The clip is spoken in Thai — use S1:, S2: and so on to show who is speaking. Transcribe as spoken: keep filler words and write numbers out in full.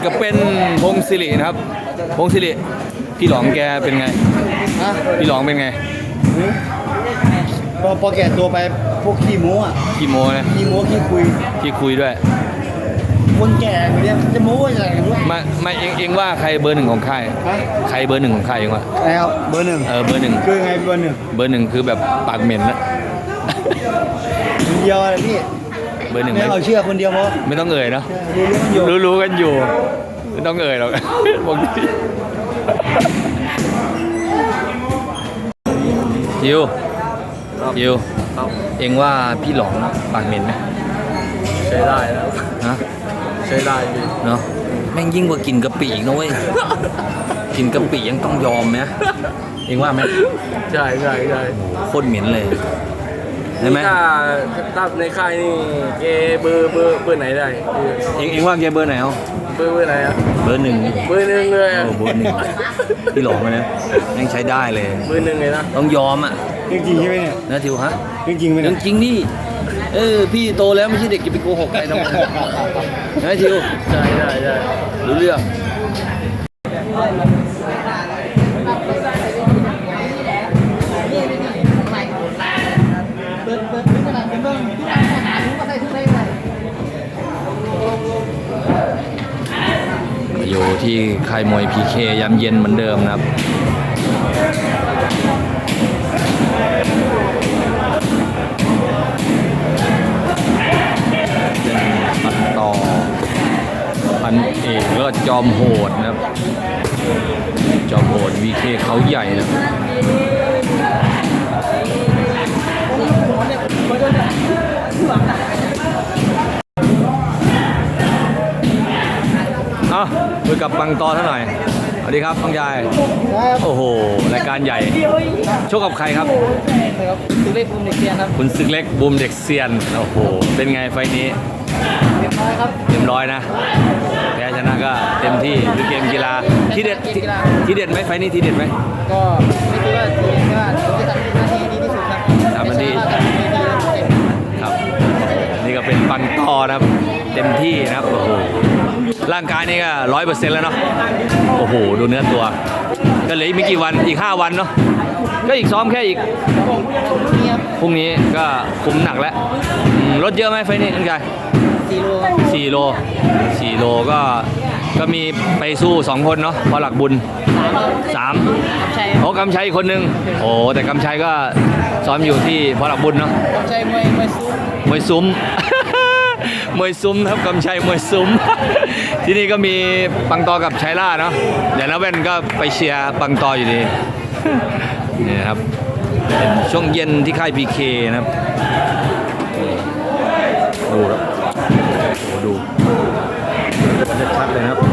S1: กับเป็นพงศิรินะครับพงศิริพี่หลองแกเป็นไง
S2: ฮะ
S1: พี่หลองเป็นไง
S2: พอพอแก่ตัวไปพวกขี้โม้อะ
S1: ขี้โมนะ
S2: ขี้โม้ขี้คุย
S1: ขี้คุยด้วย
S2: คนแก่เนี่ยจะโม้อะไรกันวะ
S1: มามาเองเองว่าใครเบอร์หนึ่งของค่าย
S2: ฮะ
S1: ใครเบอร์หนึ่งของค่ายเองว่า
S2: แล้วเบอร์หนึ่ง
S1: เออเบอร์หนึ่ง
S2: คือไงเบอร์หนึ่ง
S1: เบอร์หนึ่งคือแบบปากเหม็นนะ
S2: คนเดียวเลยพี่
S1: เบอร์หนึ่ง
S2: ไม่
S1: ไม่
S2: เอาเชื่อคนเดียวเพราะ
S1: ไม่ต้องเอ่ยเนาะ
S2: รู้เรื่องอยู่
S1: รู้รู้กันอยู่ไม่ต้องเอ่ยหรอก บอกดิยิวยิวเองว่าพี่หลองปากเหม็นไหม
S3: ใช้ได้แล้ว
S1: ฮะ
S3: ใช้ได้พี่
S1: เนาะแม่งยิ่งกว่ากินกะปิอีกนะเว้ย กินกะปิยังต้องยอมไหมเองว่าไหม
S3: ใช่ใช่ใช่
S1: โคตรเหม็นเลยใช่ไหม
S3: ถ้าถ้าในค่ายนี่เกเบอร์เบอร์เบอร์ไหนได้
S1: เองเองว่าแกเบอร์ไหนเอา
S3: เบอร์เบอร์ไหนอะ
S1: เบอร์หนึ่ง
S3: เบอร์หนึ่งเลย
S1: โอ้
S3: อะ
S1: เบอร์หนึ่งพี่หลองนะยังใช้ได้เลย
S3: เบอร์หนึ่งเลยนะ
S1: ต้องยอมอ่ะ
S2: จริงๆใช่ไหมเนี่ย
S1: นะทิวฮะ
S2: จริงๆไหม
S1: เรื่
S2: เนี่
S1: อย งจริงดิเออพี่โตแล้วไม่ใช่เด็กจะไปโกหกใครทำไมนะทิว
S3: ใช่ใช่ใช่
S1: รู้เรื่องอยู่ที่ค่ายมวย พี เค ยามเย็นเหมือนเดิมนะครับเป็นปันต่อพันเอกแล้วก็จอมโหดนะครับจอมโหด วี เค เขาใหญ่นะเอ้าคุยกับปังตอเท่าไหร่สวัสดีครับน้องยายโอ้โหรายการใหญ่ชกกับใครครับ
S2: ครับตัวเลขภูมิเด็กเรียนครับ
S1: คุณศึกเล็กบูมเด็กเซียนโอ้โหเป็นไงไฟนี้
S2: เรียบร้อยครับ
S1: เต็มร้อยนะแพ้ชนะก็เต็มที่คือเกมกีฬาที่เด็ดที่ที่เด็ดไหมไฟนี้ที่เด็ดไหม
S2: ก็ไม่คิดว่าทีมว่าผมจะทำหน้าที่ดีที่สุดครับ
S1: ทำหน้าที่
S2: ไม่ใช่ว่าทำไม่ดีแล้วเต็ม
S1: ครับนี่ก็เป็นปังตอนะครับเต็มที่นะครับโอ้โหร่างกายนี่ก็ร้อยเปอร์เซ็นต์แล้วเนาะโอ้โหดูเนื้อตัว ก็เหลืออีกไม่กี่วันอีกห้าวันเนาะก็อีกซ้อมแค่อีก
S2: นี่ครับ
S1: พรุ่งนี้ก็คุมหนักแล้วอืมลดเยอะไหมไฟนี้คุณกาย
S2: สี่โลครับ
S1: สี่โลสี่โลก็ก็มีไปสู้สองคนเนาะพอหลักบุญ
S2: สามครับ
S1: สาม
S2: กำชัย
S1: โอ้กำชัยอีกคนนึงโอ้แต่กำชัยก็ซ้อมอยู่ที่พอหลักบุญเนาะ
S2: กำชัยมวยมวยสู้
S1: มวยซุ้ม มวยซุ้มครับกำชัยมวยซุ้ม ที่นี่ก็มีปังตอกับชัยล่าเนาะเดี๋ยวนะเว้นก็ไปเชียร์ปังตออยู่ดี นี่นะครับเป็นช่วงเย็นที่ค่าย พี เค นะครับดูครับโอ้ดูชัดๆเลยนะครับ